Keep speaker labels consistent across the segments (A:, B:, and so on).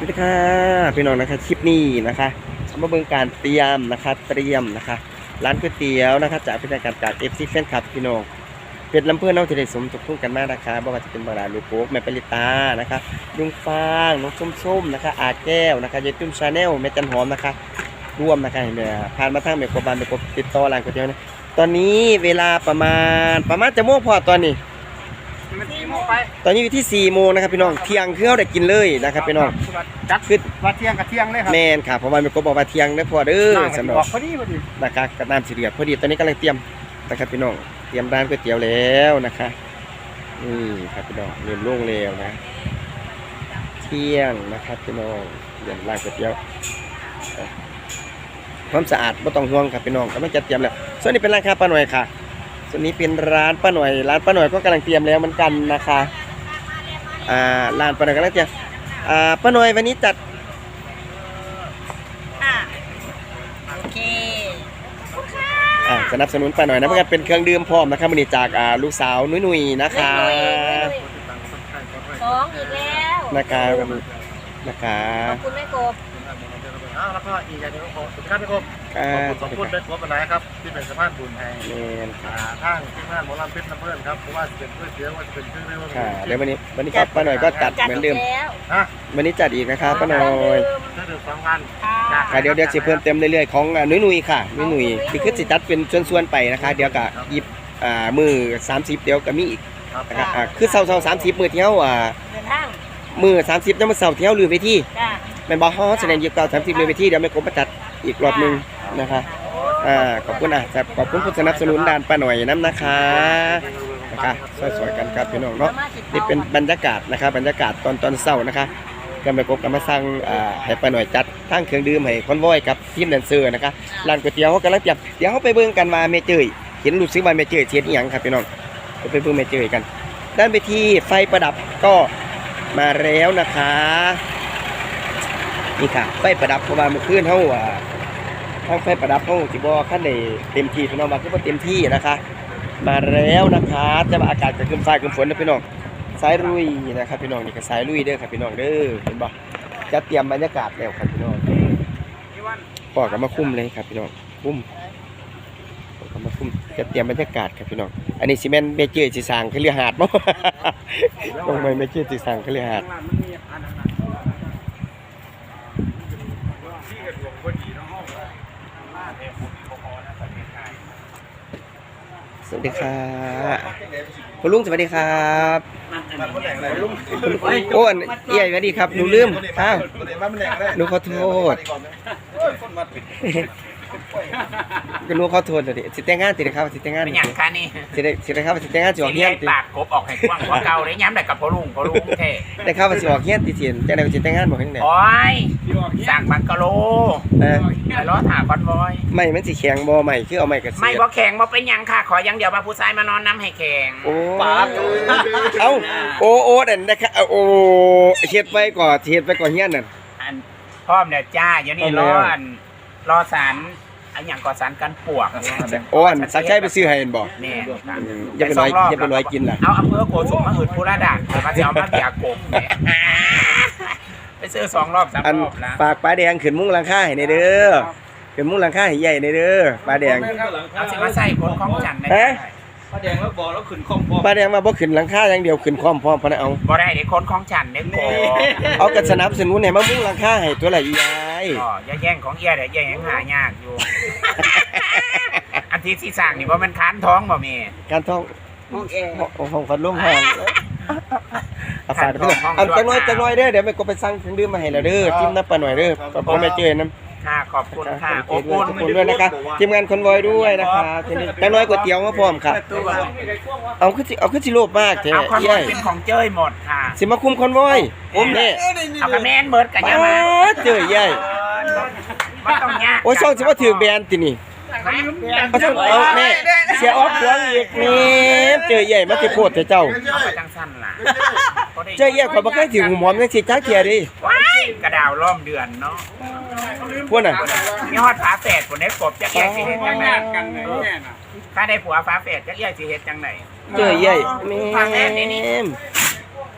A: วัสดีค่ะพี่น้องนะคะคลิปนี้นะคะมาเบิ่งการเตรียมนะคะร้านก๋วยเตี๋ยวนะคะจากพิธีการจากFCแฟนคลับพี่น้องเป็ดลำเพื่อนน้องที่ได้สมทบทุนกันมากนะคะบ่ว่าจะเป็นบาราลูกโป๊กแม่ปริตานะคะลุงฟางน้องส้มๆนะคะอาแก้วนะคะยายตุ้มชาแนลแม่จันหอมนะคะร่วมนะคะเห็นไหมผ่านมาทางแม่กบานแม่กบติดต่อร้านก๋วยเตี๋ยวนะตอนนี้เวลาประมาณจะโมงพอตอนนี้ตอนนี้อยู่ที่4 โมงนะครับพี่น้องเที่ยงคือเราได้กินเลยนะครับพี่น้อง
B: จัดขึ้นว่าเที่ยงกับเที่ยงเลยครับ
A: แม่นค่ะเพราะว่าแม่กบบอกว่าเที่ยงได้พอเด้อสำหรับ
B: พอดี
A: นะครับกับน้ำสีเหลืองพอดีตอนนี้กำลังเตรียมนะครับพี่น้องเตรียมร้านก๋วยเตี๋ยวแล้วนะคะนี่ครับพี่น้องเริ่มโล่งแล้วนะเที่ยงนะครับพี่น้องเตรียมร้านก๋วยเตี๋ยวความสะอาดไม่ต้องห่วงครับพี่น้องกำลังจะเตรียมแล้วส่วนนี้เป็นร้านค้าป้าหน่อยค่ะส่วนนี้เป็นร้านป้าหน่อยก็กำลังเตรียมแล้วเหมือนกันนะคะร้านป้าหน่อยกำลังเตรียมป้าหน่อยวันนี้จัด
C: โอเค
A: สนับสนุนป้าหน่อยนะเพื่อเป็นเครื่องดื่มพร้อมนะครับวันนี้จากลูกสาวนุ้ยนะคะ
C: สองอีกแล้ว
A: นะคะ
C: ขอบคุณแม่กบ
B: แล้วก็อีกอย่างนึงของสุดท้ายพี่กบขอบคุณแม่กบอะไรครับที่เป็นสะพานบุญให้ทางที่งานหมอลำเพชรน้ำเพื่อนครับเพราะว่าจะเป็นก๋วยเตี๋ยวว่าจะเป็นเครื่องดื่ม
A: ค่ะเดี๋ยววันนี้ป้าหน่อยก็จัดเหมือนเดิมวันนี้จัดอีกนะครับป้าหน่อย
B: เครื่องดื่ม2 วัน
A: ค่ะเดี๋ยวจะเพิ่มเติมเรื่อยๆของนุ้ยค่ะนุ้ยคือสิจัดเป็นส่วนๆไปนะคะเดี๋ยวก็หยิบมือ30เดี๋ยวก็มีอีกนะครับคือเสา30มือเที่ยวมือ30แล้วมาเสาเที่ยวลืมไปที่แม่นบอกแสดงอยู่เก่า30ลืมไปที่เดี๋ยวแม่กบมาจัดอีกรอบนึงนะคะขอบคุณขอบคุณผู้สนับสนุนด้านป้าหน่อยน้ำนะคะสวยๆกันครับพี่น้องเนาะนี่เป็นบรรยากาศนะคะบรรยากาศตอนเช้านะคะก็แม่กบก็มาสั่งให้ป้าหน่อยจัดทั้งเครื่องดื่มให้คอนวอยกับทีมแดนเซอร์นะคะร้านก๋วยเตี๋ยวเขากำลังจับเดี๋ยวเขาไปเบิ่งกันมาเมเจยเห็นรู้สึกว่าเมเจยเทียนอีหยังครับพี่น้องไปเบิ่งเมเจยกันด้านไปที่ไฟประดับก็มาแล้วนะคะนี่ค่ะไฟประดับเพราะว่าเมื่อคืนเขาทั้งไฟประดับเขาจิบขั้นในเต็มที่พี่น้องมาคือว่าเต็มที่นะคะมาแล้วนะคะแต่ว่าอากาศจะขึ้นฟ้าขึ้นฝนนะพี่น้องสายลุยนะครับพี่น้องนี่ก็สายลุยเด้อครับพี่น้องเด้อเห็นบ่จะเตรียมบรรยากาศแล้วครับพี่น้องปอกกับมาคุ้มเลยครับพี่น้องคุ้มกับมาคุ้มจะเตรียมบรรยากาศครับพี่น้องอันนี้ซีเมนต์เมเจอร์สีสางคือเรือหาดมั้งตรงไหนเมเจอร์สีสางคือเรือหาดสวัสดีครับคุณลุงสวัสดีครับโอ้เอี่ยสวัสดีครับหนูลืมอ้าวหนูขอโทษก็รู้ขอโทษเลยสิแต่งงานติดครับสิแต่งงาน
D: เป็นอย่างคะนี่
A: สิได้ครับสิแต่งงานสิออกเฮียน
D: ติปากกบออกให้กว้างกว่าเก่าเลยย้ำแต่กับพ่อลุงแท้
A: ได้ครับสิออกเฮียนติเสียนจังได๋สิแต่งงานบ่เฮ็ดได้
D: โอ้ยสั่งบังกะโลไปล้อถาคอนวอย
A: ไม่มันสิแข็งบ่ไม่คือเอาไม้กระเสีย
D: ไม่บ่แข็งบ่เป็นหยังค่ะขออย่างเดียวมาผู้ชายมานอนน้ำให้แข็ง
A: โอ้ปากเอ้าโอ้นั่นนะครับโอ้เฮ็ดไว้ก่อนเฮ็ดไว้ก่อนเฮียนนั่น
D: พร้อมแล้วจ้าเดี๋ยวนี้รอสารอันอย่างก่อสารกันปวก
A: โอ้สักใช้ไปซื้อให้เห็นบ่
D: แม่
A: อย่าไปน้อยกินล่ะ
D: เอาอำเภอโกสุมมาหืดผู้ระดับมาจะเอามาเบียกบไปซื้อ2 รอบ 3 รอบนะ
A: ฝากปลาแดงขึ้นมุ้งหลังคาให้ในเด้อขึ้นมุ้งหลังคาให้ใหญ่ในเด้อปลาแดง
D: เอาสิมาใส่คนของจันใน
B: ปลาแดงแล้วบอกแล้วขึ้นคอมพร้อม
A: ปลาแดงมาบ่ขึ้นหลังคาอย่างเดียวขึ้นคอมพร้อมพะนะเอา
D: บ่ได้เด้คนของจันเนี่ยโก
A: เอากระสนับสนุนให้มามุ้งหลังคาให้ตัวละอียาย
D: อย่าแย่งของเอียเด้อแย่งหายากอยู่อันที่สร้างนี่บ่มันค้านท้องบ่แม่
A: ค้านท้องห้องฟันร่วมห้องอาฝาดพี่น้องจังน้อยเด้อเดี๋ยวแม่ก็ไปสั่งเครื่องดื่มมาให้แล้วเด้อจิ้มน้ำปลาหน่อยเด้อพ่อแม่เจอน้ำ
D: ค่ะขอบคุณค่ะ
A: ขอบคุณด้วยนะคะทีมงานคอนวอยด้วยนะคะจังน้อยก๋วยเตี๋ยวมาพร้อมค่ะเอาขึ้นสิโลภมากแท้
D: เอาคอนวอยเป็นของเจ้ยหมดค่ะ
A: สิมาคุมคอนวอยนี่
D: เอากระแมนเบิร์ดกันยังมา
A: เจอใหญ่
D: ไม่ต้องยาก
A: โอ้ยช่องสิว่าถือแบรนด์ตินี่เอาแม่เสียออฟหวงอีกนี่เจอใหญ่มาสิโพดเถอะเจ้า
D: จังสั้นล่ะ
A: เจอใหญ่ข่อยบ่เคยถือหูหอมจังสิจักเที่ยดิ
D: ว้ายกระดาวล้อมเดือนเนาะ
A: พวกน่ะ
D: มีฮอดฝาแฝดพุ่นได้กบจักแย่สิเฮ็ดจังได๋ถ้าได้ผัวฝาแฝดจักแย่สิเฮ็ดจังได๋
A: เจอใหญ่แม่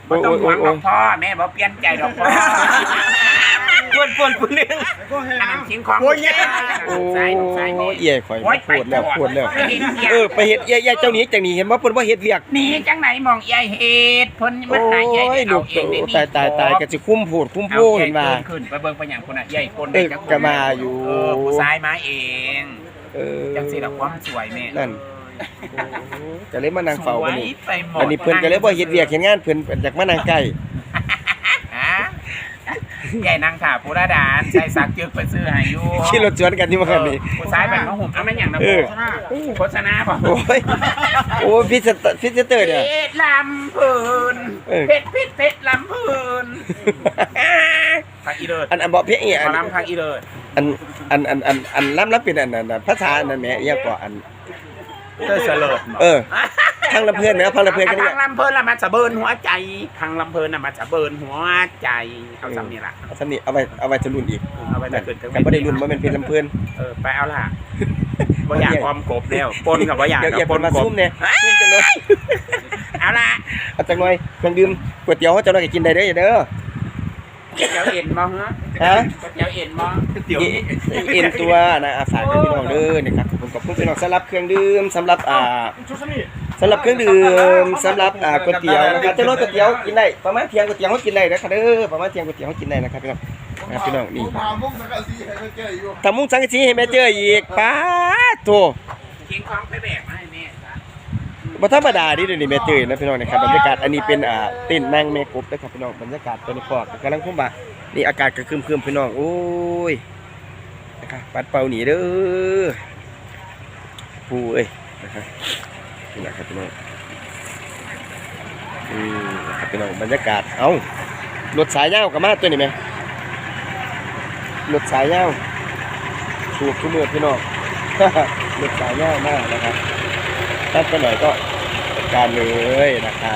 D: บ่ต้องหวังดอกพ่อแม่บ่เปลี่ยนใจดอกพ่อ
A: ปวนนึง
D: อันนั้นทิ้งของลูกชายลูกชายแม่
A: เอี่ยข่อยปวดแล้วไปเฮ็ดเอี่ยเจ้านี้จังนี้เห็นบ่เพิ่นบ่เฮ็ดเวียก
D: หนีจังไหนมองยายเฮ็ดเพิ่นมันหายาย
A: ลู
D: เอา
A: ก
D: เองได้นี่
A: ตายก็สิคุ้มโพดคุ้มโพเห็นว่า
D: ขึ้นไปเบิ่งไปหยังพุ่นน่ะยายคน
A: ก็มาอยู่
D: ผู้ชายมาเอง จังสิดอกความสวยแม่
A: นั่นก็เลยมานั่งเฝ้ากันนี่
D: ไปหมด
A: อันนี้เพิ่นก็เลยบ่เฮ็ดเวียกเฮ็ดงานเพิ่นอยากมานั่งใกล้
D: ฮะยายนางถาผู้ระดานใส่ซักจึกไปซื้อให้อยู่
A: ขี่รถสวนกันอยู่ว่าคั่นนี่
D: ผู้ชายแบบมาห่มเอามันหยังนะโฆษณาบ่
A: โอ้ยพิซเตอร์เนี่ย
D: เพชรลำพูนเพชรลำพูนพักอีเลิศ
A: อันบ่เพียงอี
D: ขอลำพักอีเลิศ
A: อันล้ำเป็นอันนั้นภาษาอันนั้นแหมอีหยังก็อัน
D: เตอร์เสลิด
A: พังลำเพิ่นแหมพังลำเพิ่นกัน
D: พั
A: เนี่ย
D: งลำเพลินละมันจะเบิร์นหัวใจพังลำเพลินน่ะมันจะเบิร์นหัวใจเอาซ้ำนี่ล่ะ
A: สำนี่เอาไว้จะรุ่นอีก
D: เอาไปแต่เกินถึง
A: กันบ่ได้รุ่นบ่แม่นเพชรลำเพิ่น
D: ไปเอาล่ะบ่อยากออมกบแล้วปนกับบ่อยาก
A: เดี๋ยว
D: ป
A: เพิ่
D: น
A: นมาก
D: บ
A: ซุ่มเนี่ยซุ่มจังเลย
D: เอาล่ะ
A: เอาจังหน่อยเครื่องดื่มก๋วยเตี๋ยวเฮาจังหน่อยก็กินได้เด้อเด้อ
D: เดี๋ยวเอ็นมองฮะ
A: ฮะ
D: เดี๋ยวเอ็นมอง
A: เอ็นตัวนะฝากพี่น้องเด้อนี่ครับผมขอบคุณพี่น้องสำหรับเครื่องดื่มสำหรับสำหรับเครื่องดื่มสำหรับก๋วยเตี๋ยวนะครับจังหน่อยก๋วยเตี๋ยวกินได้ประมาณเที่ยงก๋วยเตี๋ยวเฮากินได้นะครับเด้อประมาณเที่ยงก๋วยเตี๋ยวเฮากินได้นะครับพี่น้องนะครับพี่น้องนี่ทำมุ้งสังกะสีให้แม่เจออีกป๊าดโธ่
D: เคียงของไปแบกมาให้แม่จ้ะ
A: บ่ธรรมดาดิเดี๋ยวนี้แม่เจอนะพี่น้องนะครับบรรยากาศอันนี้เป็นเต้นนั่งแม่กบนะครับพี่น้องบรรยากาศตอนนี้พอกกำลังคุ้มบ่านี่อากาศก็ครึมๆพี่น้องโอ้ยนะครับปัดเป่าหนีเด้อผู้เอ้ยนะครับนี่นะครับพี่น้องนะครับพี่น้องบรรยากาศเอ้ารถสายยาวก็มาตัวนี้แม่รถสายยาวถูกทุกเมื่อพี่น้อง รถสายยาวมากนะครับตัดไปหน่อยก็จัดการเลยนะคะ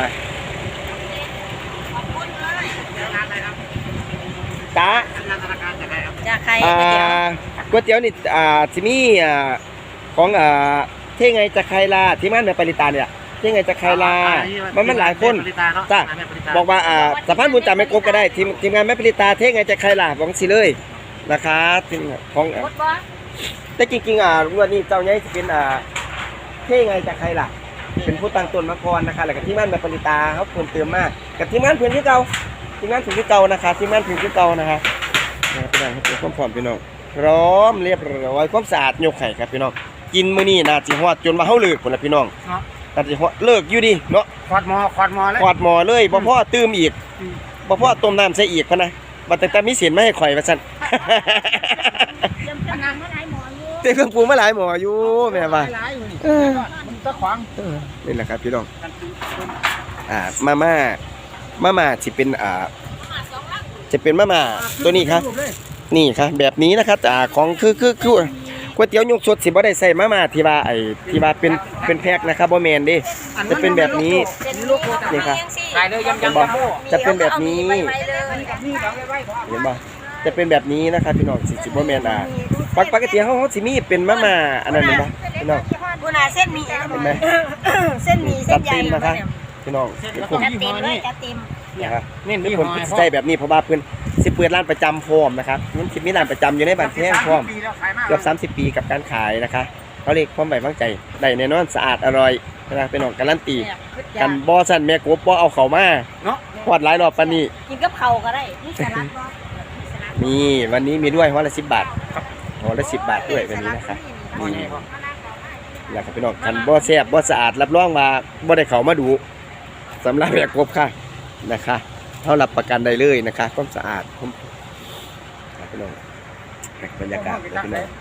A: จ้า
C: จากใคร
A: ก๋วยเตี๋ยวนี่สิมีของเท่ไงจะใครล่ะที่มันในปริตาเนี่ยเท่ไงจะใครล่ะมันหลายคนจ้าบอกว่าสะพานบุญจ่าแม่กบก็ได้ทีมงานแม่ปริตาเท่ไงจะใครล่ะบอกสิเลยนะคะทีมของ
C: หมดบ่
A: แต่จริงๆวันนี้เจ้าใหญ่จะเป็นเท่ไงจะใครล่ะเป็นผู้ตั้งต้นมาก่อนนะคะแล้วก็ทีมงานแม่ปริตาเขาเพิ่มเติมมากกับทีมงานเพื่อนที่เก่าทีมงานถึงที่เก่านะคะทีมงานถึงที่เก่านะคะพี่น้องครับความพร้อมพี่น้องพร้อมเรียบร้อยความสะอาดยกไข่ครับพี่น้องกินมื้อนี้น่าสิฮอดจนมาเฮาเลิกพุ่นล่ะพี่น้องน่าสิฮอดเลิกอยู่ดิเนาะ
B: ขอดหมอเลย
A: ขอดหม้อเลยบ่พอตื้มอีกบ่พอต้มน้ำใส่อีกพุ่นน่ะบัดแต่มีเสียนมาให้ข่อยว่าซั่น
C: เตรียมกำลังมาหลายหมออยู่
A: เต็มเครื่องปรุงมาหลายหม้ออยู่แม่ว่า
B: มันตะขวาง
A: นี่แหละครับพี่น้องมาม่าสิเป็นจะเป็นมาม่าตัวนี้ครับนี่ครับแบบนี้นะครับของคือก๋วยเตี๋ยวยกสดสิบ่ได้ใส่มาม่าที่ว่าที่ว่าเป็นแพ็คนะครับบ่แม่นเด้จะเป็นแบบนี้
C: เป็นลูกโคตร
A: นี่ครับ
D: ตายเลยยัง
A: เห็นบ่จะเป็นแบบนี้
C: เอามีไว้เลย
A: เห็นบ่จะเป็นแบบนี้นะครับพี่น้องสิบ่แม่นปกติเฮาสิมีเป็นมาม่าอันนั้นแม่นบ่พี่น้อง
C: บุญาเส้นหมี่
A: เห็นไหม
C: เส้นหมี่เส้
A: จั
C: น
A: ด
C: ใหญ่
A: เต็มนะครับพี่น้องผม
C: จัดเต็มเลยจัดเต็ม
A: นะครับนี่เพิ่นสิใส่แบบนี้เพราะว่าเพิ่นสิเปิดร้านประจำพร้อมนะครับมันสิมีร้านประจำอยู่ในบ้านแพงพร้อมเกือบ30 ปีกับการขายนะคะเขาเรียกความไว้วางใจได้แน่นอนสะอาดอร่อยนะครับพี่น้องการันตีกันบ่ซั่นแม่กบบ่เอาเข้ามาเนาะฮอดหลายรอบปานนี้
C: กินกับเข่าก็ได้นี่สลัดบ่
A: นี่วันนี้มีด้วยห่อละ10 บาทห่อละ10 บาทด้วยวันนี้นะครับนี่แหละครับพี่น้องกันบ่แซ่บบ่สะอาดรับรองว่าบ่ได้เข้ามาดูสำหรับแม่กบค่ะนะคะเท่ารับประกันได้เลยนะคะความสะอาดครับพี่น้องบรรยากาศครับพี่น้อง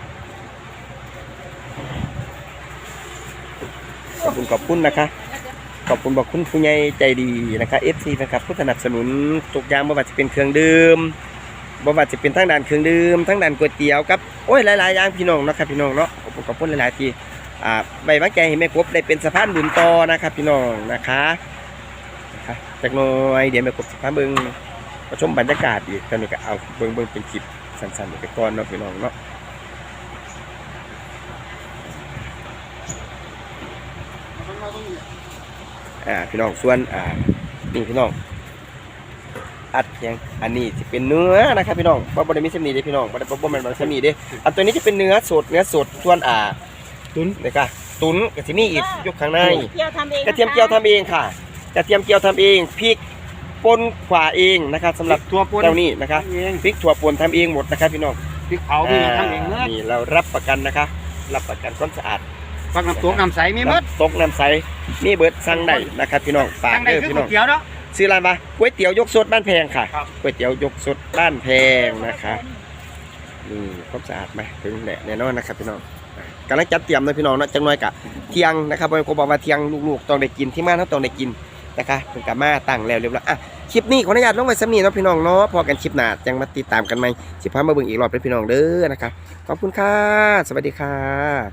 A: ขอบคุณนะคะขอบคุณบอกคุณผู้ใหญ่ใจดีนะคะ FC นะครับผู้สนับสนุนทุกอย่างบ่ว่าจะเป็นเครื่องดื่มบ่ว่าจะเป็นทั้งด้านเครื่องดื่มทั้งด้านก๋วยเตี๋ยวกับโอ้ยหลายๆอย่างพี่น้องนะครับพี่น้องเนาะขอบคุณหลายๆที่ใบวางใจให้แม่กบได้เป็นสะพานบุญต่อนะครับพี่น้องนะคะจากน้อยเดี๋ยวแม่กบสิพาเบิ่งชมบรรยากาศอีกตอนนี้ก็เอาเบิ่งเป็นคลิปสั้นๆไปก่อนเนาะพี่น้องเนาะพี่น้องส่วนนี่พี่น้องอัดเพียงอันนี้จะเป็นเนื้อนะครับพี่น้องบ่ได้มีเส้นนี้เด้พี่น้องบ่แม่นเส้นนี้เด้อันตัวนี้จะเป็นเนื้อสดส่วนตุ๋นนี่ค่ะตุ๋นก็สิมีอีกยกข้างใน
C: เจียวทำเอง
A: กระเทียมเจียวทำเองค่ะกระเทียมเจียวทำเองพริกป่นขวาเองนะครับสำหรับ
B: ตัวป่น
A: เจ้านี้นะครับ
B: เอง
A: พริกถั่วป่นทำเองหมดนะครับพี่น้อง
B: พริกเผาพี่ทำเองเมื่อ
A: นี่เรารับประกันนะคะรับประกันความสะอาด
B: ฟักน้ำตกน้ำใสมีหมด
A: ตกน้ำใสมีเบิดสั่งได้นะครับพี่น้องฝาก
B: ทางใด
A: เด้อ
B: คือ
A: พี่
B: ก๋
A: น้
B: ว
A: อย ง
B: เตี๋ยวเนาะ
A: ซื้อร้านมาก๋วยเตี๋ยวยกสดบ้านแพงค่ะ
B: ครับ
A: ก๋วยเตี๋ยวยกสดบ้านแพงนะคะนี่ความสะอาดไหมถึงแน่นอนนะครับพี่น้องกำลังจัดเตรียมเลยพี่น้องเนาะจังน้อยกะเที่ยงนะครับผมบอกว่าเที่ยงลูกๆต้องได้กินที่บ้านเขาต้องได้กินนะคะเป็นกามาตั้งแล้วเรียบร้อยอ่ะคลิปนี้ขออนุญาตลงไว้สำนีเนาะพี่น้องเนาะพอกันคลิปหน้าจังมาติดตามกันไหมสิพามาเบิ่งอีกรอบเป็นพี่น้องเด้อนะคะขอบคุณค่ะสวัสดีค่ะ